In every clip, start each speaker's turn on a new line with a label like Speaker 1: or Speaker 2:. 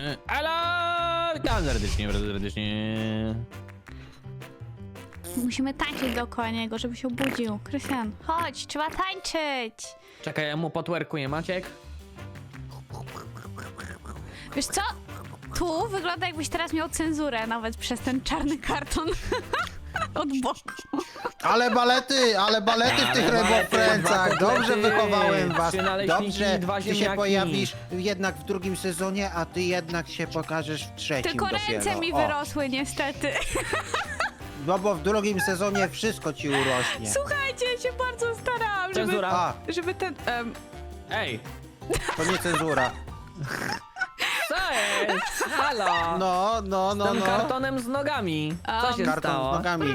Speaker 1: Alo! Witam serdecznie, bardzo serdecznie.
Speaker 2: Musimy tańczyć dookoła niego, żeby się obudził. Krystian, chodź, trzeba tańczyć.
Speaker 1: Czekaj, ja mu potwerkuję, Maciek.
Speaker 2: Wiesz co? Tu wygląda, jakbyś teraz miał cenzurę nawet przez ten czarny karton od boku.
Speaker 3: Ale balety w tych Rainbow Friendsach. Dobrze wychowałem was.
Speaker 1: Trzy naleśniki,
Speaker 3: Dobrze,
Speaker 1: dwa
Speaker 3: ty się
Speaker 1: ziemniaki.
Speaker 3: pojawisz jednak w drugim sezonie, a ty jednak się pokażesz w trzecim
Speaker 2: Tylko
Speaker 3: dopiero.
Speaker 2: ręce mi
Speaker 3: O.
Speaker 2: wyrosły niestety.
Speaker 3: No bo w drugim sezonie wszystko ci urośnie.
Speaker 2: Słuchajcie, ja się bardzo starałam, żeby,
Speaker 1: Cenzura.
Speaker 3: A,
Speaker 2: żeby ten...
Speaker 1: Ej,
Speaker 3: to nie cenzura.
Speaker 1: co jest? Halo!
Speaker 3: No.
Speaker 1: Z tym kartonem z nogami. Co się
Speaker 3: Karton
Speaker 1: stało?
Speaker 3: z nogami.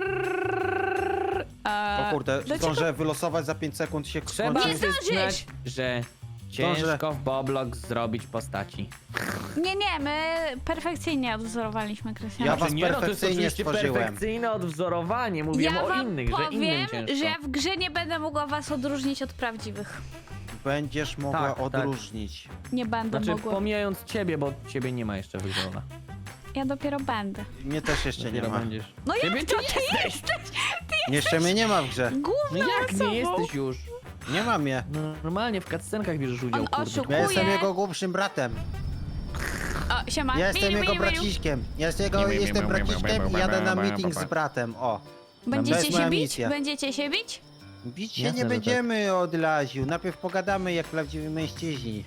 Speaker 3: O kurde,
Speaker 2: dlaczego-
Speaker 3: zdążę wylosować za 5 sekund się
Speaker 1: Trzeba
Speaker 3: skończy.
Speaker 2: Nie zdążysz!
Speaker 1: przyznać, że
Speaker 3: Zdążę.
Speaker 1: ciężko w Boblox zrobić postaci.
Speaker 2: Nie, my perfekcyjnie odwzorowaliśmy Krystiana.
Speaker 3: Ja
Speaker 1: Znaczy
Speaker 3: was
Speaker 1: nie, no to jest
Speaker 3: perfekcyjnie
Speaker 1: oczywiście
Speaker 3: stworzyłem.
Speaker 1: perfekcyjne odwzorowanie. Mówiłem
Speaker 2: Ja
Speaker 1: o
Speaker 2: wam
Speaker 1: innych, że innym
Speaker 2: powiem,
Speaker 1: ciężko.
Speaker 2: że ja w grze nie będę mogła was odróżnić od prawdziwych.
Speaker 3: Będziesz mogła
Speaker 1: Tak, tak.
Speaker 3: odróżnić.
Speaker 2: Nie będę
Speaker 1: Znaczy,
Speaker 2: mogła.
Speaker 1: pomijając ciebie, bo ciebie nie ma jeszcze wygrana.
Speaker 2: Ja dopiero będę.
Speaker 3: Mnie też jeszcze nie
Speaker 1: Dopiero
Speaker 3: ma.
Speaker 1: będziesz.
Speaker 2: No jak
Speaker 1: Ciebie
Speaker 2: to
Speaker 1: ty
Speaker 2: ty
Speaker 1: jesteś!
Speaker 3: Jeszcze mnie nie ma w grze.
Speaker 1: No
Speaker 2: Główną
Speaker 1: jak
Speaker 2: osobą.
Speaker 1: nie jesteś już?
Speaker 3: Nie mam je.
Speaker 1: Normalnie w cutscenkach bierzesz udział,
Speaker 2: On
Speaker 1: kurde.
Speaker 2: oszukuje.
Speaker 3: Ja jestem jego głupszym bratem.
Speaker 2: O, siema.
Speaker 3: Ja jestem
Speaker 2: Miu,
Speaker 3: jego
Speaker 2: miu, miu.
Speaker 3: braciszkiem. Jestem braciszkiem i jadę na meeting z bratem. O. To
Speaker 2: Będziecie
Speaker 3: jest
Speaker 2: się
Speaker 3: moja
Speaker 2: bić?
Speaker 3: misja.
Speaker 2: Będziecie się bić?
Speaker 3: Bić się
Speaker 1: Jasne,
Speaker 3: nie
Speaker 1: że
Speaker 3: będziemy od Laziu. Najpierw pogadamy jak prawdziwi mężczyźni.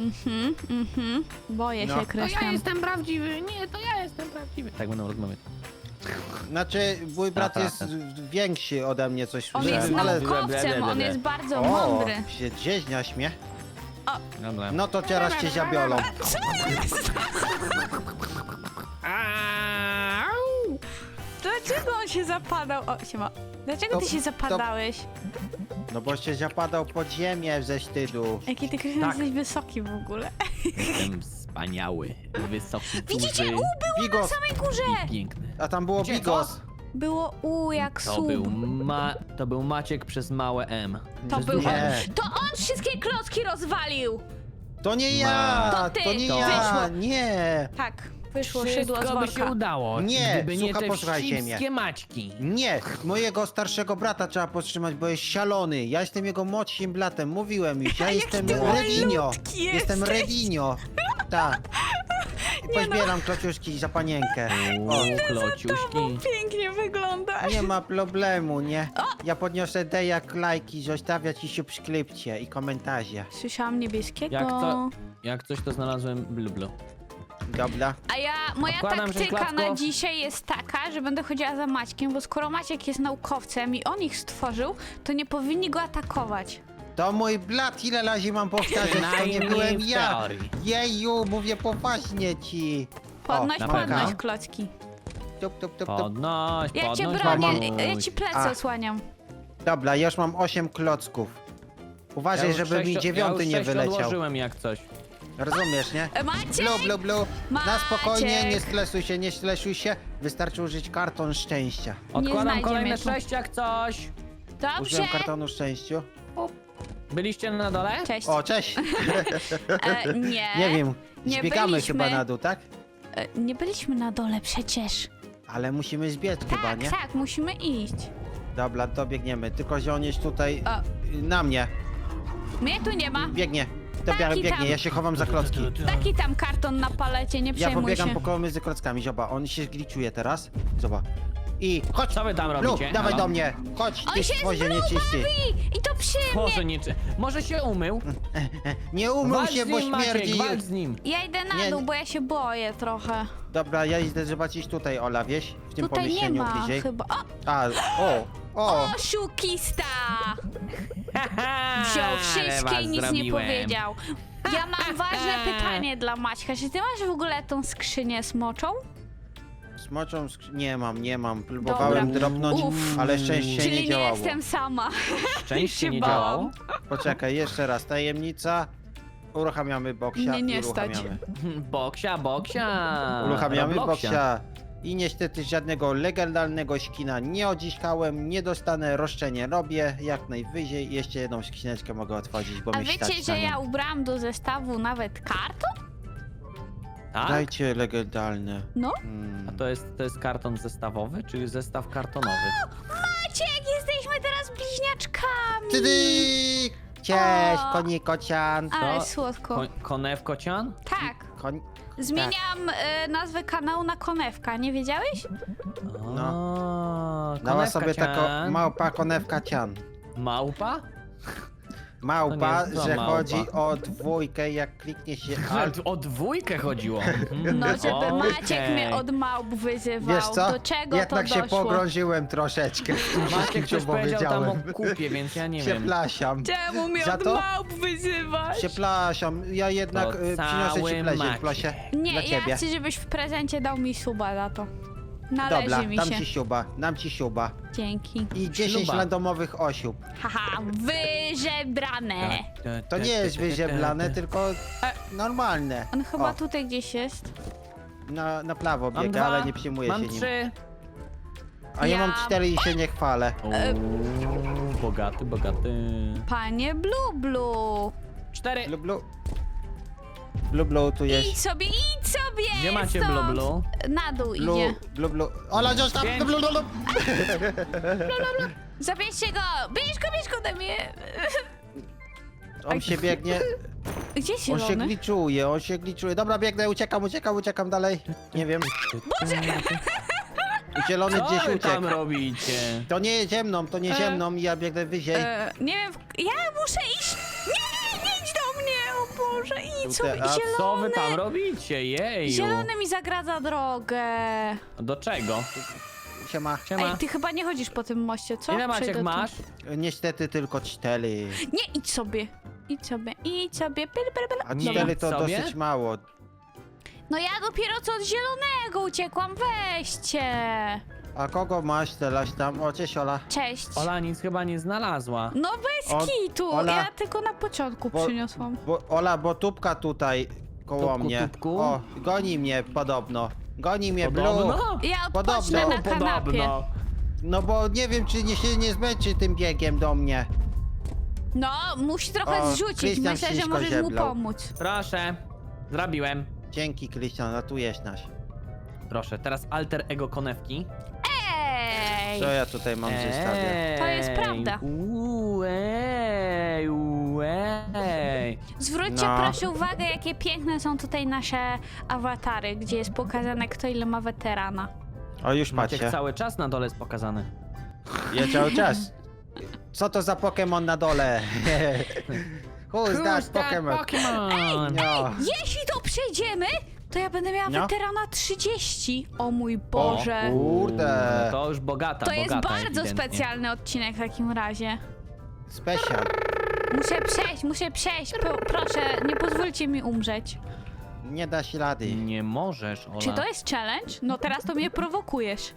Speaker 2: Boję
Speaker 3: No.
Speaker 2: się, Krystian.
Speaker 1: jestem prawdziwy, nie, to ja jestem prawdziwy. Tak będą rozmawiać.
Speaker 3: Znaczy, mój brat
Speaker 1: Tak,
Speaker 3: jest
Speaker 1: tak.
Speaker 3: większy ode mnie, coś
Speaker 2: On
Speaker 3: słyszałem,
Speaker 2: jest
Speaker 3: ale...
Speaker 2: naukowcem, on jest bardzo
Speaker 3: O,
Speaker 2: mądry.
Speaker 3: się dzieźniaś mnie.
Speaker 1: Dobra.
Speaker 3: No to teraz cię zabiorą.
Speaker 1: Au!
Speaker 2: Dlaczego on się zapadał? O, siema. Dlaczego ty
Speaker 3: To-
Speaker 2: się zapadałeś?
Speaker 3: No bo się zapadał pod ziemię ze wstydu.
Speaker 2: Jaki ty, Krystian,
Speaker 1: Tak.
Speaker 2: jesteś wysoki w ogóle.
Speaker 1: Jestem wspaniały, wysoki,
Speaker 2: Widzicie?
Speaker 1: duży
Speaker 2: Było na
Speaker 3: Bigos,
Speaker 2: samej górze!
Speaker 1: i piękny.
Speaker 3: a tam było
Speaker 1: Gdzie,
Speaker 3: Bigos.
Speaker 2: Było jak
Speaker 1: To
Speaker 2: sub.
Speaker 1: to był Maciek przez małe M.
Speaker 2: To
Speaker 1: Przez
Speaker 2: był
Speaker 1: duże
Speaker 2: on.
Speaker 1: M.
Speaker 3: Nie.
Speaker 2: To on wszystkie klocki rozwalił!
Speaker 3: To nie ja,
Speaker 2: To ty,
Speaker 3: to nie
Speaker 2: to
Speaker 3: ja,
Speaker 2: wyszło.
Speaker 3: nie.
Speaker 2: Tak, wyszło szydło z
Speaker 1: Wszystko by się
Speaker 2: worka.
Speaker 1: udało,
Speaker 3: Nie,
Speaker 1: gdyby nie
Speaker 3: słucha,
Speaker 1: te
Speaker 3: posłuchajcie
Speaker 1: wścibskie Maćki.
Speaker 3: Nie, mojego starszego brata trzeba powstrzymać, bo jest szalony. Ja jestem jego młodszym bratem, mówiłem już. Ja
Speaker 2: Jaki
Speaker 3: jestem
Speaker 2: ty
Speaker 3: Redinio.
Speaker 2: malutki
Speaker 3: Jestem
Speaker 2: jesteś.
Speaker 3: Redinio. Tak. Pozbieram klociuszki za panienkę. O,
Speaker 1: Klociuśki.
Speaker 2: Pięknie wygląda.
Speaker 3: nie ma problemu, nie? Ja podniosę jak lajki, zostawiać i subskrypcje i komentarze.
Speaker 2: Słyszałam niebieskiego.
Speaker 1: Jak coś to znalazłem blu.
Speaker 3: Dobra.
Speaker 2: A moja
Speaker 1: Odkładam
Speaker 2: taktyka
Speaker 1: żeńklatko.
Speaker 2: na dzisiaj jest taka, że będę chodziła za Maćkiem, bo skoro Maciek jest naukowcem i on ich stworzył, to nie powinni go atakować.
Speaker 3: To mój brat, ile razy mam powtarzać, to nie
Speaker 1: Przynajmniej
Speaker 3: byłem
Speaker 1: w
Speaker 3: ja.
Speaker 1: teorii.
Speaker 3: Jeju, mówię poważnie ci.
Speaker 2: Podnoś,
Speaker 1: na
Speaker 2: podnoś
Speaker 1: pewno.
Speaker 2: klocki.
Speaker 3: Tup, tup, tup, tup.
Speaker 1: Podnoś,
Speaker 2: Ja cię
Speaker 1: podnoś.
Speaker 2: bronię,
Speaker 1: mamuś.
Speaker 2: ja ci plecy
Speaker 3: A.
Speaker 2: osłaniam.
Speaker 3: Dobra, już mam 8 klocków. Uważaj,
Speaker 1: już
Speaker 3: żeby mi
Speaker 1: sześć-
Speaker 3: 9
Speaker 1: już
Speaker 3: nie
Speaker 1: 6
Speaker 3: wyleciał.
Speaker 1: odłożyłem jak coś.
Speaker 3: Rozumiesz, nie?
Speaker 2: Maciek!
Speaker 3: Blu, blu, blu. Na
Speaker 2: Maciek!
Speaker 3: spokojnie, nie stresuj się. Wystarczy użyć karton szczęścia.
Speaker 1: Odkładam
Speaker 2: znajdzie
Speaker 1: kolejne
Speaker 2: mnie tu.
Speaker 1: 6 jak coś.
Speaker 2: Dobrze.
Speaker 3: Użyłem kartonu szczęściu.
Speaker 1: Byliście na dole?
Speaker 2: Cześć.
Speaker 3: O, cześć.
Speaker 2: Nie.
Speaker 3: Nie wiem,
Speaker 2: nie
Speaker 3: zbiegamy
Speaker 2: byliśmy.
Speaker 3: chyba na dół, tak?
Speaker 2: Nie byliśmy na dole przecież.
Speaker 3: Ale musimy zbiec chyba,
Speaker 2: Tak,
Speaker 3: nie?
Speaker 2: tak, musimy iść.
Speaker 3: Dobra, to biegniemy. Tylko, że on jest tutaj
Speaker 2: O.
Speaker 3: na mnie.
Speaker 2: Mnie tu nie ma.
Speaker 3: Biegnie.
Speaker 2: Taki
Speaker 3: Biegnie,
Speaker 2: tam.
Speaker 3: ja się chowam za klocki.
Speaker 2: Taki tam karton na palecie, nie
Speaker 3: Ja
Speaker 2: przejmuj
Speaker 3: pobiegam
Speaker 2: się.
Speaker 3: po koło między klockami, zobacz, on się zgliczuje teraz. Zobacz. I chodź!
Speaker 1: Co wy tam
Speaker 3: Lu,
Speaker 1: robicie?
Speaker 3: dawaj
Speaker 1: Halo?
Speaker 3: do mnie! Chodź,
Speaker 2: On
Speaker 3: ty
Speaker 2: się
Speaker 3: stworzy
Speaker 2: z Blue
Speaker 3: nieczysty!
Speaker 2: bawi! I to przy mnie!
Speaker 1: Boże, może się umył?
Speaker 3: Nie umył
Speaker 1: Walcz
Speaker 3: się,
Speaker 1: z
Speaker 3: bo
Speaker 1: nim, Maciek,
Speaker 3: śmierdzi!
Speaker 1: walcz z nim.
Speaker 2: Ja idę na
Speaker 3: Nie,
Speaker 2: dół,
Speaker 3: nie.
Speaker 2: bo ja się boję trochę.
Speaker 3: Dobra, ja idę zobaczyć tutaj, Ola, wieś? W tym
Speaker 2: Tutaj nie
Speaker 3: pomieszczeniu
Speaker 2: ma
Speaker 3: bliżej.
Speaker 2: chyba. O!
Speaker 3: O!
Speaker 2: Oszukista! Wziął
Speaker 1: Ale
Speaker 2: wszystkie
Speaker 1: was
Speaker 2: i nic nie
Speaker 1: zrobiłem.
Speaker 2: powiedział. Ja mam ważne pytanie dla Maćka. Czy ty masz w ogóle tą skrzynię smoczą?
Speaker 3: Smoczą nie mam. Próbowałem
Speaker 2: Dobra.
Speaker 3: dropnąć,
Speaker 2: Uff.
Speaker 3: ale szczęście
Speaker 2: Czyli
Speaker 3: nie
Speaker 2: nie
Speaker 3: działało.
Speaker 2: jestem sama.
Speaker 1: Szczęście
Speaker 2: się
Speaker 1: nie
Speaker 2: bałam.
Speaker 1: działało.
Speaker 3: Poczekaj, jeszcze raz, tajemnica. Uruchamiamy boksia
Speaker 2: Mnie nie
Speaker 3: i uruchamiamy.
Speaker 1: Boksia.
Speaker 3: Uruchamiamy
Speaker 1: Robloxia.
Speaker 3: boksia. I niestety żadnego legalnego skina nie odzyskałem, nie dostanę, roszczenie robię, jak najwyżej. Jeszcze jedną skrzyneczkę mogę otworzyć, bo
Speaker 2: A
Speaker 3: mnie
Speaker 2: wiecie,
Speaker 3: stać
Speaker 2: że
Speaker 3: na nią.
Speaker 2: ja ubrałam do zestawu nawet karton?
Speaker 1: Tak?
Speaker 3: Dajcie legendalne.
Speaker 2: No.
Speaker 3: Mm.
Speaker 1: A to jest karton zestawowy, czy zestaw kartonowy?
Speaker 2: Maciek, jesteśmy teraz bliźniaczkami.
Speaker 3: Tydyk! Cześć,
Speaker 2: O.
Speaker 3: konikocian.
Speaker 2: Ale
Speaker 1: To-
Speaker 2: słodko.
Speaker 1: Konewkocian?
Speaker 2: Tak.
Speaker 3: Koń...
Speaker 2: Zmieniam nazwę kanału na Konewka, nie wiedziałeś?
Speaker 3: Dała sobie taką małpa konewka cian.
Speaker 1: Małpa?
Speaker 3: Małpa,
Speaker 1: To nie jest
Speaker 3: że
Speaker 1: małpa.
Speaker 3: chodzi o dwójkę, jak kliknie się alt.
Speaker 1: O dwójkę chodziło.
Speaker 2: No, żeby Maciek
Speaker 1: Okej.
Speaker 2: mnie od małp wyzywał.
Speaker 3: Wiesz co?
Speaker 2: Do czego
Speaker 3: Jednak
Speaker 2: to
Speaker 3: się
Speaker 2: doszło?
Speaker 3: pogrążyłem troszeczkę.
Speaker 1: Maciek coś
Speaker 3: bo
Speaker 1: powiedział tam
Speaker 3: wiedziałem.
Speaker 1: o kupie, więc ja nie wiem.
Speaker 3: Przepraszam.
Speaker 2: Czemu mnie
Speaker 3: Za
Speaker 2: od
Speaker 3: to?
Speaker 2: małp wyzywasz?
Speaker 3: Przepraszam, ja jednak
Speaker 1: To
Speaker 3: przyniosę ci
Speaker 1: cały
Speaker 3: prezent,
Speaker 1: Maciek.
Speaker 3: Plosie.
Speaker 2: Nie,
Speaker 3: Dla
Speaker 2: ja
Speaker 3: ciebie.
Speaker 2: chcę, żebyś w prezencie dał mi suba za to. Należy
Speaker 3: Dobra,
Speaker 2: mi
Speaker 3: dam
Speaker 2: się.
Speaker 3: ci siuba, dam ci siuba.
Speaker 2: Dzięki.
Speaker 3: I 10
Speaker 1: Śluba.
Speaker 3: randomowych osiób.
Speaker 2: Haha, wyżebrane.
Speaker 3: To nie jest wyzieblane, tylko normalne.
Speaker 2: On chyba
Speaker 3: O,
Speaker 2: tutaj gdzieś jest.
Speaker 3: na prawo
Speaker 1: Mam
Speaker 3: biega,
Speaker 1: dwa,
Speaker 3: ale nie przyjmuję
Speaker 1: mam
Speaker 3: się nim.
Speaker 1: 3.
Speaker 3: A ja mam
Speaker 2: Ja-
Speaker 3: 4 i się nie chwalę.
Speaker 1: Bogaty, bogaty.
Speaker 2: Panie Blu Blu.
Speaker 1: 4.
Speaker 3: Blublu. Blublu, tu jest.
Speaker 2: Idź sobie, idź sobie!
Speaker 1: Gdzie macie
Speaker 2: stąd.
Speaker 1: blublu?
Speaker 2: Na dół
Speaker 3: Blu,
Speaker 2: idzie.
Speaker 3: blublu. Ola, zostaw!
Speaker 1: 5.
Speaker 3: Blu, blu, blu.
Speaker 2: Zabierzcie go! Bierz go ode mnie!
Speaker 3: On się biegnie,
Speaker 2: Gdzie
Speaker 3: on się
Speaker 2: zielony?
Speaker 3: gliczuje, on się gliczuje. Dobra, biegnę, uciekam dalej. Nie wiem. Zielony
Speaker 1: Co
Speaker 3: gdzieś
Speaker 1: wy tam
Speaker 3: uciekł.
Speaker 1: robicie?
Speaker 3: To nie jest ziemną, to nie ziemną, ja biegnę wyżej.
Speaker 2: Nie wiem, ja muszę iść! Nie idź do mnie! O Boże, idź sobie!
Speaker 3: A
Speaker 1: Co wy
Speaker 2: Zielony!
Speaker 1: tam robicie? Jeju.
Speaker 2: Zielony mi zagradza drogę.
Speaker 1: Do czego?
Speaker 3: Siema.
Speaker 1: Siema.
Speaker 2: Ej, ty chyba nie chodzisz po tym moście, co?
Speaker 1: Ile Maciek
Speaker 2: Przejdę tu.
Speaker 1: masz?
Speaker 3: Niestety tylko 4.
Speaker 2: Nie, idź sobie. Idź sobie.
Speaker 3: A
Speaker 1: Nie
Speaker 3: 4 to
Speaker 1: sobie?
Speaker 3: dosyć mało.
Speaker 2: No ja dopiero co od zielonego uciekłam, weźcie.
Speaker 3: A kogo masz teraz tam? O, cześć Ola.
Speaker 2: Cześć.
Speaker 1: Ola nic chyba nie znalazła.
Speaker 2: No bez
Speaker 3: O-
Speaker 2: kitu,
Speaker 3: Ola.
Speaker 2: ja tylko na początku
Speaker 3: Bo-
Speaker 2: przyniosłam.
Speaker 3: Ola, bo tubka tutaj koło
Speaker 1: Tubku,
Speaker 3: mnie.
Speaker 1: tubku?
Speaker 3: O, goni mnie podobno. Goni mnie Blue.
Speaker 1: Podobno?
Speaker 2: Ja
Speaker 3: Podobno.
Speaker 2: odpocznę na kanapie.
Speaker 1: Podobno.
Speaker 3: No bo nie wiem, czy się nie zmęczy tym biegiem do mnie.
Speaker 2: No, musi trochę
Speaker 3: O,
Speaker 2: zrzucić,
Speaker 3: Krystian
Speaker 2: myślę, że
Speaker 3: wszystko
Speaker 2: możesz mu
Speaker 3: zeblał.
Speaker 2: pomóc.
Speaker 1: Proszę. Zrobiłem.
Speaker 3: Dzięki, Krystian, ratujesz nas.
Speaker 1: Proszę, teraz alter ego konewki.
Speaker 2: Ej!
Speaker 3: Co ja tutaj mam w zestawie?
Speaker 2: To jest prawda.
Speaker 1: Ej.
Speaker 2: Zwróćcie
Speaker 3: No.
Speaker 2: proszę uwagę, jakie piękne są tutaj nasze awatary, gdzie jest pokazane, kto ile ma weterana.
Speaker 3: O, już
Speaker 1: Maciek
Speaker 3: patrzcie.
Speaker 1: cały czas na dole jest pokazany.
Speaker 3: Ja cały czas. Co to za Pokémon na dole? Who's that Pokémon?
Speaker 1: Pokémon?
Speaker 3: No.
Speaker 2: Jeśli to przejdziemy, to ja będę miała
Speaker 3: No.
Speaker 2: weterana 30. O mój Boże.
Speaker 3: O, kurde.
Speaker 1: No to już bogata,
Speaker 2: To jest
Speaker 1: bogata
Speaker 2: bardzo
Speaker 1: ewidentnie.
Speaker 2: specjalny odcinek w takim razie.
Speaker 3: Special.
Speaker 2: Muszę przejść. Proszę, nie pozwólcie mi umrzeć.
Speaker 3: Nie da się rady.
Speaker 1: Nie możesz, Ola.
Speaker 2: Czy to jest challenge? No teraz to mnie prowokujesz.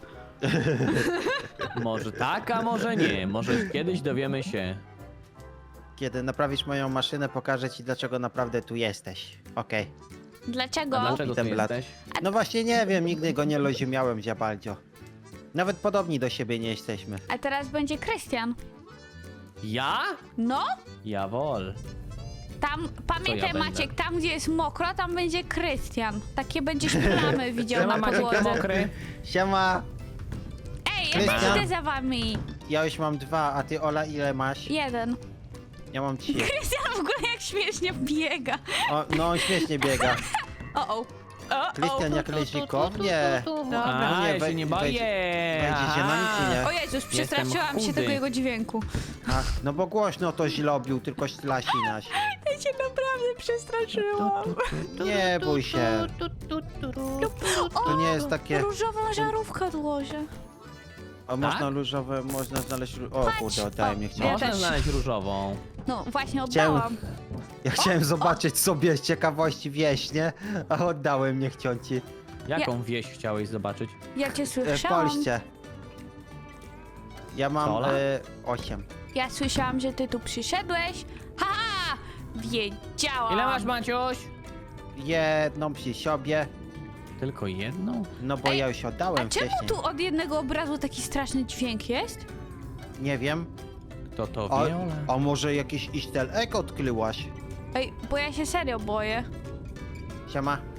Speaker 1: Może tak, a może nie. Może kiedyś dowiemy się.
Speaker 3: Kiedy naprawisz moją maszynę, pokażę ci, dlaczego naprawdę tu jesteś. Okej.
Speaker 2: Dlaczego?
Speaker 1: A dlaczego tu
Speaker 3: ten blat.
Speaker 1: jesteś?
Speaker 3: No właśnie nie wiem, nigdy go nie rozumiałem za bardzo. Nawet podobni do siebie nie jesteśmy.
Speaker 2: A teraz będzie Krystian.
Speaker 1: Ja?
Speaker 2: No,
Speaker 1: Jawol.
Speaker 2: tam, pamiętaj
Speaker 1: będę?
Speaker 2: Maciek, tam gdzie jest mokro, tam będzie Krystian. Takie będziesz plamy widział
Speaker 1: Siema,
Speaker 2: na
Speaker 1: Maciek
Speaker 2: podłodze.
Speaker 1: mokry.
Speaker 3: Siema!
Speaker 2: Ej, ja
Speaker 3: Krystian?
Speaker 2: idę za wami.
Speaker 3: Ja już mam 2, a ty Ola ile masz?
Speaker 2: 1.
Speaker 3: Ja mam 3.
Speaker 2: Krystian w ogóle jak śmiesznie biega.
Speaker 3: O, no on śmiesznie biega.
Speaker 2: O.
Speaker 3: Krystian jak ryzykownie.
Speaker 2: Dobra.
Speaker 1: A,
Speaker 3: Nie,
Speaker 1: ja się nie boję.
Speaker 3: wejdziesz się na nic, czy nie?
Speaker 2: O Jezus, przestraszyłam się
Speaker 1: chudy.
Speaker 2: tego jego dźwięku.
Speaker 3: Ach, no bo głośno to źlobił, tylko ślasinaś.
Speaker 2: Ja się naprawdę przestraszyłam.
Speaker 3: Nie bój się. To nie jest takie...
Speaker 2: Różową żarówkę odłożę.
Speaker 3: O, można różowe, można znaleźć... O
Speaker 2: Patrz,
Speaker 3: kurde, oddaj mnie
Speaker 2: Ja
Speaker 3: chciałem.
Speaker 1: Można
Speaker 2: też.
Speaker 1: znaleźć różową.
Speaker 2: No właśnie
Speaker 3: Chciałem-
Speaker 2: oddałam.
Speaker 3: Ja chciałem zobaczyć sobie z ciekawości wieś, nie? A oddałem niechciąci.
Speaker 1: Jaką wieś chciałeś zobaczyć?
Speaker 2: Ja cię
Speaker 3: W
Speaker 2: słyszałam.
Speaker 3: Polsce. Ja mam
Speaker 1: Co, Ola?
Speaker 3: 8.
Speaker 2: Ja słyszałam, że ty tu przyszedłeś. Haha! Wiedziałam.
Speaker 1: Ile masz, Maciuś?
Speaker 3: Jedną przy sobie,
Speaker 1: Tylko jedną?
Speaker 3: no bo
Speaker 2: Ej,
Speaker 3: ja już
Speaker 2: A
Speaker 3: oddałem
Speaker 2: czemu
Speaker 3: wcześniej.
Speaker 2: tu od jednego obrazu taki straszny dźwięk jest?
Speaker 3: Nie wiem.
Speaker 1: Kto to
Speaker 3: A,
Speaker 1: wie, Ola?
Speaker 3: a może jakiś easter egg odkryłaś?
Speaker 2: Ej, bo ja się serio boję.
Speaker 3: Siema.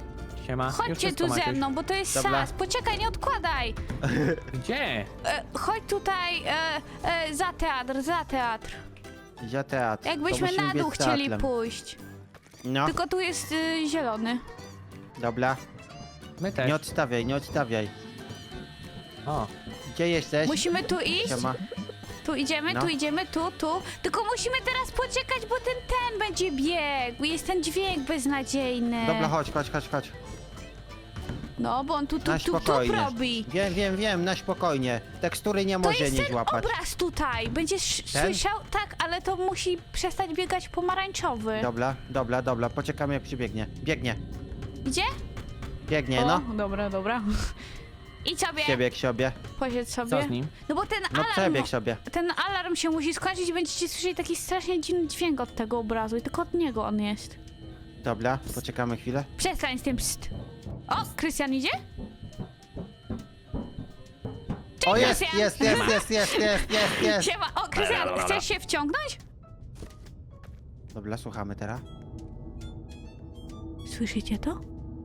Speaker 1: Siema. Już
Speaker 2: Chodźcie
Speaker 1: wszystko,
Speaker 2: tu ze
Speaker 1: Maciuś.
Speaker 2: mną, bo to jest
Speaker 3: Dobra.
Speaker 2: sas. Poczekaj, nie odkładaj.
Speaker 1: Gdzie?
Speaker 2: Chodź tutaj za teatr, za teatr.
Speaker 3: Ja teatr. To
Speaker 2: Jakbyśmy
Speaker 3: musimy
Speaker 2: na
Speaker 3: biec
Speaker 2: dół chcieli
Speaker 3: teatrem.
Speaker 2: pójść.
Speaker 3: No,
Speaker 2: Tylko tu jest zielony.
Speaker 3: dobra.
Speaker 1: My też.
Speaker 3: Nie odstawiaj, nie odstawiaj.
Speaker 1: O,
Speaker 3: Gdzie jesteś?
Speaker 2: Musimy tu iść.
Speaker 3: Siema.
Speaker 2: Tu idziemy,
Speaker 3: No.
Speaker 2: tu idziemy, tu. Tylko musimy teraz poczekać, bo ten będzie biegł. Jest ten dźwięk beznadziejny.
Speaker 3: Dobra, chodź.
Speaker 2: No, bo on tu
Speaker 3: Na spokojnie.
Speaker 2: robi.
Speaker 3: Wiem, na spokojnie. Tekstury nie
Speaker 2: To
Speaker 3: może
Speaker 2: jest
Speaker 3: nie
Speaker 2: ten
Speaker 3: złapać.
Speaker 2: obraz tutaj. Będziesz
Speaker 3: Ten?
Speaker 2: słyszał? Tak, ale to musi przestać biegać pomarańczowy.
Speaker 3: Dobra, poczekamy jak przybiegnie.
Speaker 2: Gdzie?
Speaker 3: Biegnie, no.
Speaker 2: Dobra. Idź sobie,
Speaker 3: Przebieg sobie.
Speaker 2: posiedź sobie.
Speaker 1: co z nim?
Speaker 2: No bo ten
Speaker 3: No
Speaker 2: alarm,
Speaker 3: przebieg sobie.
Speaker 2: ten alarm się musi skończyć i będziecie słyszeli taki strasznie dziwny dźwięk od tego obrazu i tylko od niego on jest.
Speaker 3: Dobra, poczekamy chwilę.
Speaker 2: Przestań z tym pst. O, Krystian idzie?
Speaker 3: O, jest.
Speaker 2: Siema. O, Krystian, chcesz się wciągnąć?
Speaker 3: Dobra, słuchamy teraz.
Speaker 2: Słyszycie to?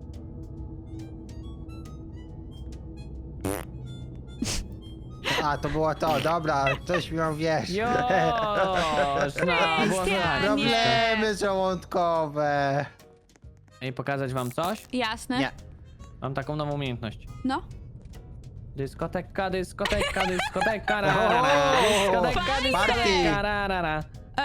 Speaker 3: A, to było to, dobra, coś miał, wiesz.
Speaker 1: Już! No, było
Speaker 2: Krystian,
Speaker 1: za-
Speaker 3: Problemy żołądkowe.
Speaker 1: Ej, pokazać wam coś?
Speaker 2: Jasne.
Speaker 3: Nie.
Speaker 1: Mam taką nową umiejętność.
Speaker 2: No.
Speaker 1: Dyskoteka, ra,
Speaker 3: Party.
Speaker 1: dyskoteka, ra.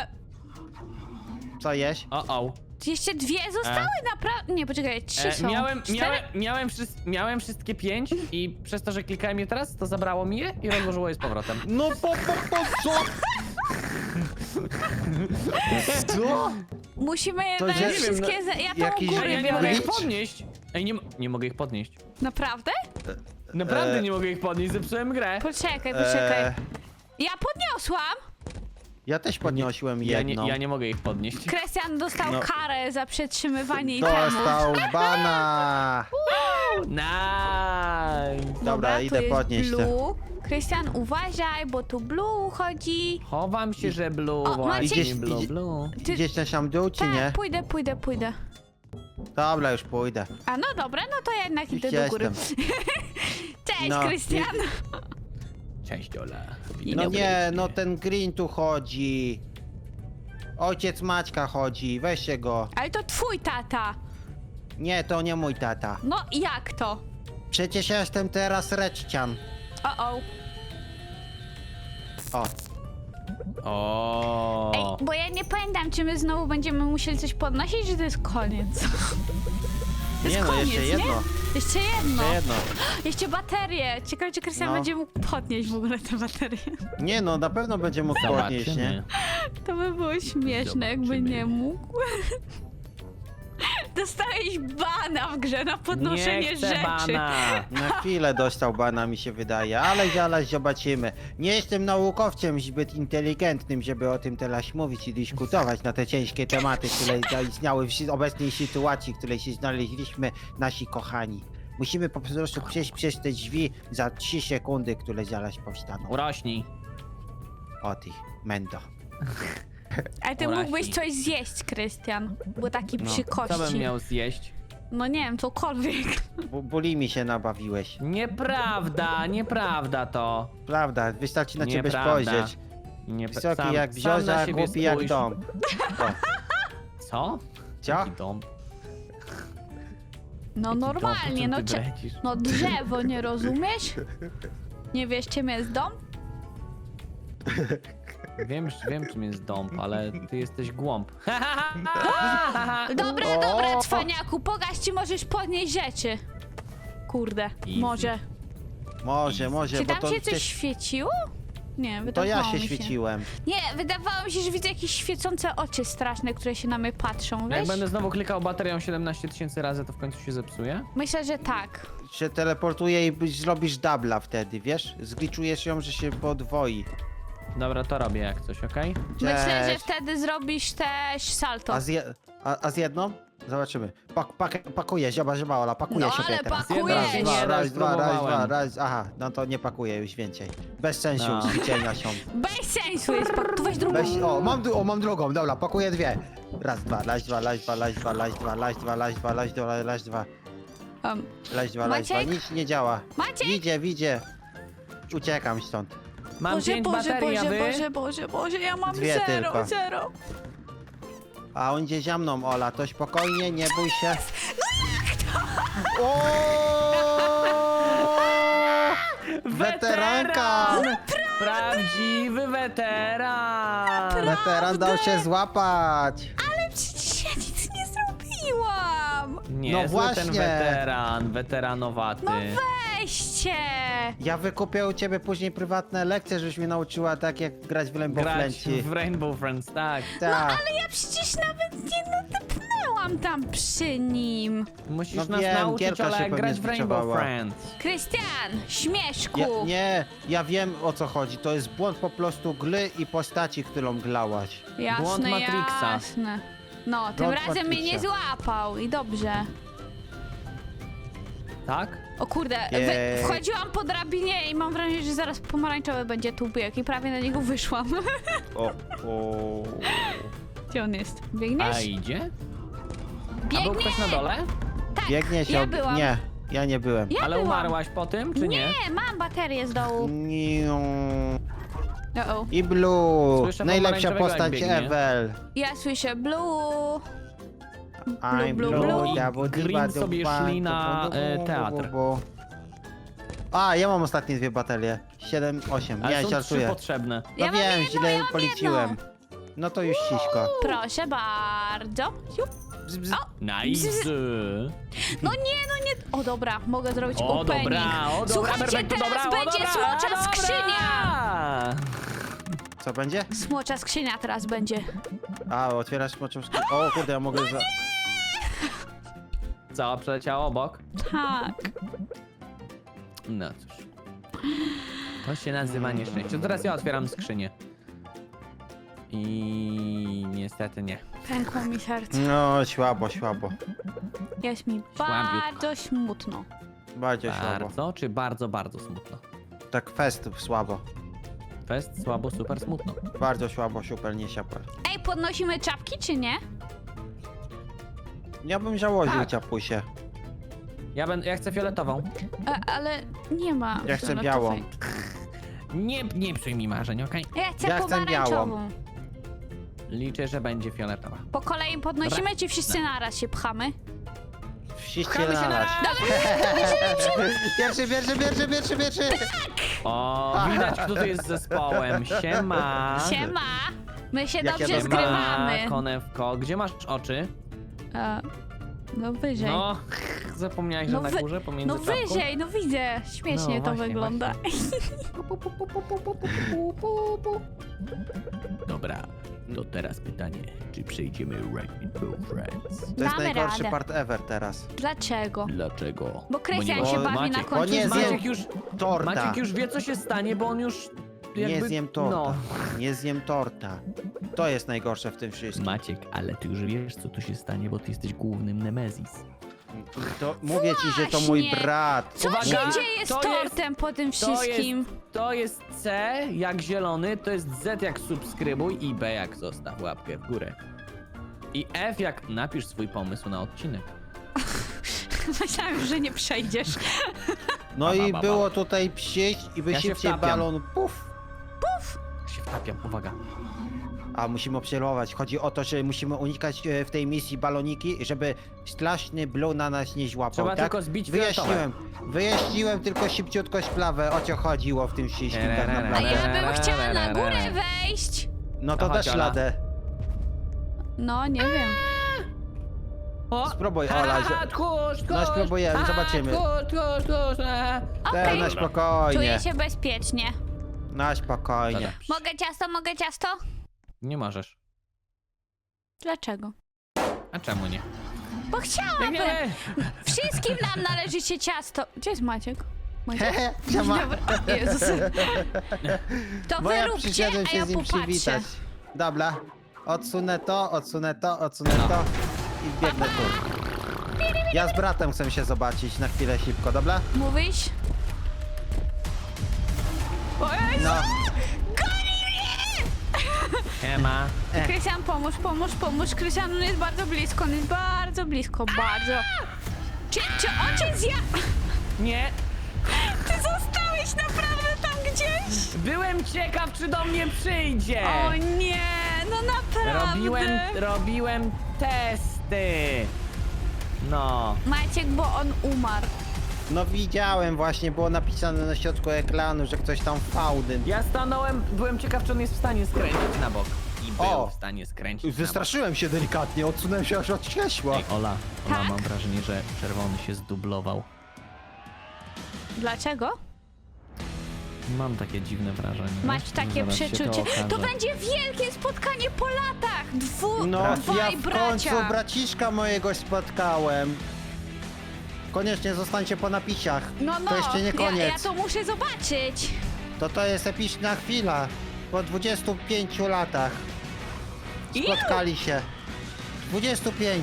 Speaker 3: Co jeść?
Speaker 1: O.
Speaker 2: Jeszcze dwie zostały naprawdę. Nie, poczekaj, trzy są.
Speaker 1: Miałem wszystkie 5 i przez to, że klikałem je teraz, to zabrało mi je i rozłożyło je z powrotem.
Speaker 3: No co? Co?
Speaker 2: Musimy
Speaker 3: To
Speaker 2: jednak
Speaker 3: nie wiem,
Speaker 2: wszystkie. Ja tam u
Speaker 3: jakiś-
Speaker 2: góry
Speaker 1: Ja nie mogę
Speaker 2: biorę.
Speaker 1: ich podnieść. Ej, nie mogę ich podnieść.
Speaker 2: Naprawdę?
Speaker 1: Naprawdę nie mogę ich podnieść, zepsułem grę.
Speaker 2: Poczekaj.
Speaker 3: E,
Speaker 2: Ja podniosłam.
Speaker 3: ja też podniosłem
Speaker 1: Ja
Speaker 3: jedną.
Speaker 1: nie mogę ich podnieść.
Speaker 2: Krystian dostał
Speaker 3: No.
Speaker 2: karę za przetrzymywanie itemów.
Speaker 3: Dostał bana.
Speaker 1: Nice!
Speaker 3: Dobra,
Speaker 2: tu
Speaker 3: idę
Speaker 2: jest
Speaker 3: podnieść te.
Speaker 2: Blue. Krystian, uważaj, bo tu Blue chodzi.
Speaker 1: Chowam się, że blue,
Speaker 2: O,
Speaker 1: właśnie
Speaker 3: Maciek-
Speaker 1: blue.
Speaker 2: Ty-
Speaker 3: Idziesz na sam dół, czy
Speaker 2: Tak,
Speaker 3: nie?
Speaker 2: pójdę.
Speaker 3: Dobra, już pójdę.
Speaker 2: A no dobra, no to ja jednak
Speaker 3: Już
Speaker 2: idę do góry.
Speaker 3: jestem.
Speaker 2: Cześć,
Speaker 3: No,
Speaker 2: Krystian.
Speaker 1: Cześć, Ola.
Speaker 3: No nie, no ten Green tu chodzi. Ojciec Maćka chodzi, weźcie go.
Speaker 2: Ale to twój tata.
Speaker 3: Nie, to nie mój tata.
Speaker 2: No jak to?
Speaker 3: Przecież ja jestem teraz Reczcian.
Speaker 2: O.
Speaker 3: O,
Speaker 1: O.
Speaker 2: Ej, bo ja nie pamiętam, czy my znowu będziemy musieli coś podnosić, czy to jest koniec. To jest
Speaker 3: nie no,
Speaker 2: koniec,
Speaker 3: jeszcze
Speaker 2: nie?
Speaker 3: jedno.
Speaker 2: Jeszcze jedno.
Speaker 3: Jeszcze jedno.
Speaker 2: Jeszcze baterie. Ciekawe, czy Krystian
Speaker 3: No.
Speaker 2: będzie mógł podnieść w ogóle te baterie.
Speaker 3: Nie no, na pewno będzie mógł podnieść, nie?
Speaker 1: Zobaczymy.
Speaker 2: To by było śmieszne, jakby
Speaker 1: Zobaczymy.
Speaker 2: nie mógł. Dostałeś bana w grze na podnoszenie
Speaker 1: Nie chcę
Speaker 2: rzeczy.
Speaker 1: bana.
Speaker 3: Na chwilę dostał bana, mi się wydaje, ale zaraz zobaczymy. Nie jestem naukowcem zbyt inteligentnym, żeby o tym teraz mówić i dyskutować na te ciężkie tematy, które zaistniały w obecnej sytuacji, w której się znaleźliśmy, nasi kochani. Musimy po prostu przejść przez te drzwi za 3 sekundy, które zaraz powstaną.
Speaker 1: Urośnij.
Speaker 3: O ty, mendo.
Speaker 2: Ale ty
Speaker 1: Uraźni.
Speaker 2: mógłbyś coś zjeść, Krystian. Bo taki
Speaker 3: No,
Speaker 2: przy
Speaker 1: Co
Speaker 2: kości.
Speaker 1: bym miał zjeść?
Speaker 2: No nie wiem, cokolwiek.
Speaker 3: Bulimi się nabawiłeś.
Speaker 1: Nieprawda to.
Speaker 3: Prawda, wystarczy na ciebie
Speaker 1: Nieprawda.
Speaker 3: spojrzeć. Wysoki
Speaker 1: Sam-
Speaker 3: jak
Speaker 1: sam na
Speaker 3: brzioza,
Speaker 1: siebie
Speaker 3: głupi jak
Speaker 1: spójrz.
Speaker 3: dom. O,
Speaker 1: Co?
Speaker 3: co?
Speaker 1: Jaki dom?
Speaker 2: No
Speaker 1: Jaki
Speaker 2: normalnie,
Speaker 1: dom?
Speaker 2: no
Speaker 1: O czym ty brecisz?
Speaker 2: no drzewo, nie rozumiesz? Nie wiesz, czym jest dom?
Speaker 1: Wiem czym jest dąb, ale ty jesteś głąb.
Speaker 2: Dobra,
Speaker 3: O!
Speaker 2: dobra, cwaniaku, pokaż, ci możesz podnieść rzeczy. Kurde,
Speaker 1: Easy.
Speaker 2: może.
Speaker 3: Może,
Speaker 2: Czy
Speaker 3: bo
Speaker 2: tam
Speaker 3: to
Speaker 2: się coś
Speaker 3: przecież-
Speaker 2: świeciło? Nie,
Speaker 3: to
Speaker 2: wydawało
Speaker 3: ja się
Speaker 2: mi
Speaker 3: świeciłem.
Speaker 2: Nie, wydawało mi się, że widzę jakieś świecące oczy straszne, które się na mnie patrzą,
Speaker 1: Jak
Speaker 2: wiesz?
Speaker 1: będę znowu klikał baterią 17 000 razy, to w końcu się zepsuje?
Speaker 2: Myślę, że tak.
Speaker 3: Się teleportuje i zrobisz dubla wtedy, wiesz? Zgliczujesz ją, że się podwoi.
Speaker 1: Dobra, to robię jak coś, okej?
Speaker 2: Myślę, że
Speaker 3: Cześć.
Speaker 2: wtedy zrobisz też salto.
Speaker 3: A z jedną? Zobaczymy. Pakuje, zioba, Ola, pakuje
Speaker 2: No,
Speaker 3: się
Speaker 2: ale
Speaker 3: teraz.
Speaker 2: pakujesz.
Speaker 3: Raz,
Speaker 1: Nie,
Speaker 3: dwa,
Speaker 1: no,
Speaker 3: raz, dwa,
Speaker 1: spróbowałem.
Speaker 3: raz. Aha, no to nie pakuje już więcej. Bez sensu,
Speaker 1: No.
Speaker 3: ćwiczenia są.
Speaker 2: Bez sensu jest, tu weź drugą.
Speaker 3: Mam drugą, dobra, pakuję dwie. Raz, dwa, laś, dwa. Leź dwa,
Speaker 2: Maciek?
Speaker 3: nic nie działa.
Speaker 2: Maciek?
Speaker 3: Widzę. Uciekam stąd.
Speaker 1: Mam 5 baterii, a wy?
Speaker 2: Boże, ja mam
Speaker 3: Dwie tylko.
Speaker 2: zero.
Speaker 3: A on idzie za mną, Ola, to spokojnie, nie bój się. O! Weteranka!
Speaker 1: Prawdziwy weteran!
Speaker 3: Weteran dał się złapać.
Speaker 2: Ale przecież ja nic nie zrobiłam.
Speaker 1: Niezły ten
Speaker 3: właśnie.
Speaker 1: weteranowaty.
Speaker 2: No weźcie.
Speaker 3: Ja wykupię u ciebie później prywatne lekcje, żebyś mnie nauczyła tak jak grać w Rainbow
Speaker 1: Grać
Speaker 3: Friendsi.
Speaker 1: w Rainbow Friends, tak.
Speaker 3: Tak.
Speaker 2: Ale ja przecież nawet nie nadepnęłam tam przy nim.
Speaker 1: Musisz
Speaker 3: No
Speaker 1: nas
Speaker 3: wiem,
Speaker 1: nauczyć,
Speaker 3: Gierka się
Speaker 1: ale jak
Speaker 3: pewnie
Speaker 1: grać w Rainbow
Speaker 3: zbiczowała.
Speaker 1: Friends.
Speaker 2: Krystian, śmieszku.
Speaker 3: Ja wiem o co chodzi. To jest błąd po prostu gry i postaci, którą glałaś.
Speaker 2: Jasne,
Speaker 1: Błąd Matrixa.
Speaker 2: jasne. No, tym
Speaker 3: Błąd
Speaker 2: razem mnie nie
Speaker 3: Matrixa.
Speaker 2: złapał i dobrze.
Speaker 1: Tak?
Speaker 2: O kurde,
Speaker 3: Jej.
Speaker 2: wchodziłam po drabinie i mam wrażenie, że zaraz pomarańczowy będzie tu bieg i prawie na niego wyszłam.
Speaker 3: O.
Speaker 2: Gdzie on jest?
Speaker 1: A
Speaker 2: Biegniesz?
Speaker 1: idzie? A był
Speaker 2: Biegnie!
Speaker 1: ktoś na dole?
Speaker 2: Tak,
Speaker 3: Biegnie się.
Speaker 2: ja byłam.
Speaker 3: Nie, ja nie byłem.
Speaker 2: Ja
Speaker 1: Ale
Speaker 2: byłam.
Speaker 1: umarłaś po tym, czy nie?
Speaker 2: Nie, mam baterię z dołu.
Speaker 3: Niu.
Speaker 2: Uh-oh.
Speaker 3: I Blue.
Speaker 1: Słyszę
Speaker 3: Najlepsza
Speaker 1: pomarańczowego,
Speaker 3: postać
Speaker 1: jak biegnie.
Speaker 3: ever.
Speaker 2: Ja słyszę blue.
Speaker 3: I'm
Speaker 2: Blue,
Speaker 3: Blue.
Speaker 2: blue.
Speaker 1: Green sobie szli na, teatr.
Speaker 3: A, ja mam ostatnie 2 baterie. 7, 8.
Speaker 1: Ale
Speaker 3: Nie,
Speaker 1: są 3
Speaker 3: żartuję.
Speaker 1: potrzebne.
Speaker 3: No
Speaker 2: Ja mam
Speaker 3: wiem,
Speaker 2: jedno,
Speaker 3: źle
Speaker 2: ja mam
Speaker 3: policzyłem. No to już ciśko.
Speaker 2: Proszę bardzo. Siup.
Speaker 3: Bzz, bzz.
Speaker 1: Nice.
Speaker 2: No nie. O dobra, mogę zrobić
Speaker 1: O
Speaker 2: opening.
Speaker 1: dobra, o dobra,
Speaker 2: Słuchajcie,
Speaker 1: Berbek, to
Speaker 2: teraz
Speaker 1: dobra, o
Speaker 2: będzie
Speaker 1: dobra,
Speaker 2: smocza
Speaker 1: dobra.
Speaker 2: skrzynia.
Speaker 3: Co będzie?
Speaker 2: Smocza skrzynia teraz będzie.
Speaker 3: A, otwierasz moczą skrzynkę. O kurde, ja mogę za...
Speaker 1: Co, przeleciało obok?
Speaker 2: Tak.
Speaker 1: No cóż. To się nazywa nieszczęście. Teraz ja otwieram skrzynię. I niestety nie.
Speaker 2: Pękło mi serce.
Speaker 3: No, słabo.
Speaker 2: Jest mi bardzo smutno.
Speaker 3: Bardzo słabo.
Speaker 1: Bardzo czy bardzo, bardzo smutno?
Speaker 3: Tak fest słabo.
Speaker 1: Fest, słabo, super smutno.
Speaker 3: Bardzo słabo, super, nie super.
Speaker 2: Ej, podnosimy czapki czy nie?
Speaker 3: Ja bym założył
Speaker 1: Tak.
Speaker 3: ciapusie.
Speaker 1: Ja chcę fioletową.
Speaker 2: Ale nie ma.
Speaker 3: Ja chcę
Speaker 2: fioletowej.
Speaker 3: białą.
Speaker 1: Nie psuj mi marzeń, okej?
Speaker 2: Ja chcę
Speaker 3: Ja chcę
Speaker 2: pomarańczową.
Speaker 1: Liczę, że będzie fioletowa.
Speaker 2: Po kolei podnosimy, czy wszyscy naraz się pchamy?
Speaker 3: Wszyscy
Speaker 1: Pchamy się
Speaker 3: na
Speaker 1: na
Speaker 3: raz. Pierwszy.
Speaker 1: O, widać, kto tu jest zespołem. Siema.
Speaker 2: Siema! My się
Speaker 3: Jak ja
Speaker 2: dobrze
Speaker 3: bym-
Speaker 2: zgrywamy.
Speaker 1: Konewko. Gdzie masz oczy?
Speaker 2: No wyżej.
Speaker 1: No, zapomniałeś, że na górze pomiędzy
Speaker 2: No
Speaker 1: czapką?
Speaker 2: wyżej, no widzę. Śmiesznie
Speaker 1: No,
Speaker 2: to
Speaker 1: właśnie,
Speaker 2: wygląda.
Speaker 1: Dobra, to teraz pytanie, czy przejdziemy Rainbow Friends?
Speaker 3: To jest
Speaker 2: Damy
Speaker 3: najgorszy
Speaker 2: radę.
Speaker 3: part ever teraz.
Speaker 2: Dlaczego?
Speaker 1: Dlaczego?
Speaker 2: Bo Krystian
Speaker 1: nie
Speaker 2: się
Speaker 1: ma-
Speaker 2: bawi na
Speaker 1: Maciek,
Speaker 2: końcu.
Speaker 3: Bo nie
Speaker 2: z-
Speaker 3: zjem
Speaker 1: Maciek już,
Speaker 3: torta.
Speaker 1: Maciek już wie, co się stanie, bo on już jakby...
Speaker 3: Nie zjem torta.
Speaker 1: No.
Speaker 3: Nie zjem torta. To jest najgorsze w tym wszystkim.
Speaker 1: Maciek, ale ty już wiesz, co tu się stanie, bo ty jesteś głównym Nemezis.
Speaker 3: To, mówię ci, że to mój
Speaker 2: Właśnie.
Speaker 3: brat.
Speaker 2: Co
Speaker 1: Uwaga,
Speaker 2: się dzieje z
Speaker 1: to jest-
Speaker 2: tortem po tym
Speaker 1: To jest,
Speaker 2: wszystkim?
Speaker 1: to jest C jak zielony, to jest Z jak subskrybuj i B jak zostaw łapkę w górę. I F jak napisz swój pomysł na odcinek.
Speaker 2: Myślałem, że nie przejdziesz.
Speaker 3: No
Speaker 1: Ba,
Speaker 3: i
Speaker 1: ba, ba,
Speaker 3: było tutaj przyjść i by
Speaker 1: Ja się
Speaker 3: szybciej
Speaker 1: wtapiam.
Speaker 3: balon puf.
Speaker 1: Się wtapiam, uwaga.
Speaker 3: A musimy obserwować. Chodzi o to, że musimy unikać w tej misji baloniki, żeby straszny Blue na nas nie złapał,
Speaker 1: Trzeba
Speaker 3: tak?
Speaker 1: tylko zbić fioletowe.
Speaker 3: Wyjaśniłem tylko szybciutko sprawę, o co chodziło w tym wszystkim tak
Speaker 2: A
Speaker 3: naprawdę.
Speaker 2: ja bym chciała na górę wejść.
Speaker 3: No to
Speaker 1: To
Speaker 3: dasz
Speaker 1: chodź, Ola.
Speaker 3: radę.
Speaker 2: No, nie wiem.
Speaker 1: O!
Speaker 3: Spróbuj, Ola.
Speaker 1: Tchórz,
Speaker 3: No spróbujemy, zobaczymy.
Speaker 1: Tchórz.
Speaker 2: Okej.
Speaker 3: Na spokojnie.
Speaker 2: Czuję się bezpiecznie.
Speaker 3: Na spokojnie.
Speaker 1: Dobra.
Speaker 2: Mogę ciasto?
Speaker 1: Nie możesz.
Speaker 2: Dlaczego?
Speaker 1: A czemu nie?
Speaker 2: Bo chciałabym.
Speaker 1: Biegniemy!
Speaker 2: Wszystkim nam należy się ciasto. Gdzie jest Maciek? Maciek?
Speaker 3: Hehe, siema.
Speaker 2: Dobra. Jezus. To
Speaker 3: Bo
Speaker 2: wy
Speaker 3: ja
Speaker 2: róbcie,
Speaker 3: przyszedłem
Speaker 2: a
Speaker 3: się
Speaker 2: ja
Speaker 3: z nim
Speaker 2: popatrzę.
Speaker 3: przywitać. Dobra. Odsunę to i biegnę tu. Ja z bratem chcę się zobaczyć na chwilę szybko, dobra?
Speaker 2: Mówisz?
Speaker 3: No.
Speaker 1: Siema.
Speaker 2: Krystian, pomóż. Krystian, on jest bardzo blisko, bardzo. Czy ojciec
Speaker 1: Nie,
Speaker 2: Ty zostałeś naprawdę tam gdzieś?
Speaker 1: byłem ciekaw, czy do mnie przyjdzie.
Speaker 2: O nie, no naprawdę.
Speaker 1: Robiłem testy. No.
Speaker 2: Maciek, bo on umarł.
Speaker 3: No widziałem właśnie, było napisane na środku ekranu, że ktoś tam fałdyn.
Speaker 1: Ja stanąłem, byłem ciekaw, czy on jest w stanie skręcić na bok. I był
Speaker 3: O!
Speaker 1: w stanie skręcić na bok.
Speaker 3: Wystraszyłem się delikatnie, odsunąłem się aż od krześła.
Speaker 1: Ej, Ola,
Speaker 2: Tak?
Speaker 1: mam wrażenie, że czerwony się zdublował.
Speaker 2: Dlaczego?
Speaker 1: Mam takie dziwne wrażenie.
Speaker 2: Masz
Speaker 1: wiesz?
Speaker 2: takie
Speaker 1: Zaraz się
Speaker 2: przeczucie.
Speaker 1: okaże.
Speaker 2: To będzie wielkie spotkanie po latach.
Speaker 3: No,
Speaker 2: Dwaj
Speaker 3: ja w
Speaker 2: bracia.
Speaker 3: końcu braciszka mojego spotkałem. Koniecznie zostańcie po napisach.
Speaker 2: No,
Speaker 3: To jeszcze nie koniec.
Speaker 2: Ja to muszę zobaczyć.
Speaker 3: To jest epicna chwila. Po 25 latach spotkali się. 25.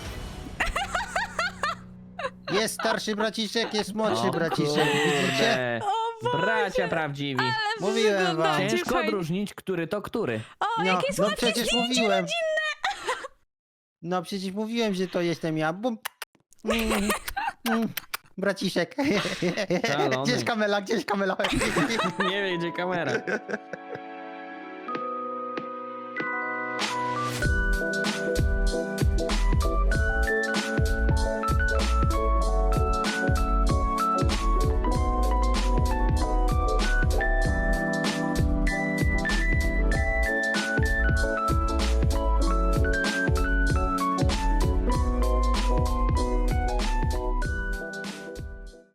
Speaker 3: Jest starszy braciszek, jest młodszy
Speaker 1: O
Speaker 3: braciszek. Widzicie?
Speaker 1: kurde.
Speaker 2: O Boże,
Speaker 1: Bracia prawdziwi.
Speaker 3: Mówiłem wam.
Speaker 2: wyglądacie
Speaker 1: Ciężko
Speaker 2: fajnie.
Speaker 1: odróżnić, który to który.
Speaker 2: O,
Speaker 3: No,
Speaker 2: jakie
Speaker 3: no
Speaker 2: słodkie
Speaker 3: przecież
Speaker 2: zdjęcie
Speaker 3: mówiłem.
Speaker 2: rodzinne.
Speaker 3: No przecież mówiłem, że to jestem ja. Bum. Braciszek.
Speaker 1: Szalony.
Speaker 3: Gdzieś kamela, gdzieś kamela.
Speaker 1: Nie wie, gdzie kamera.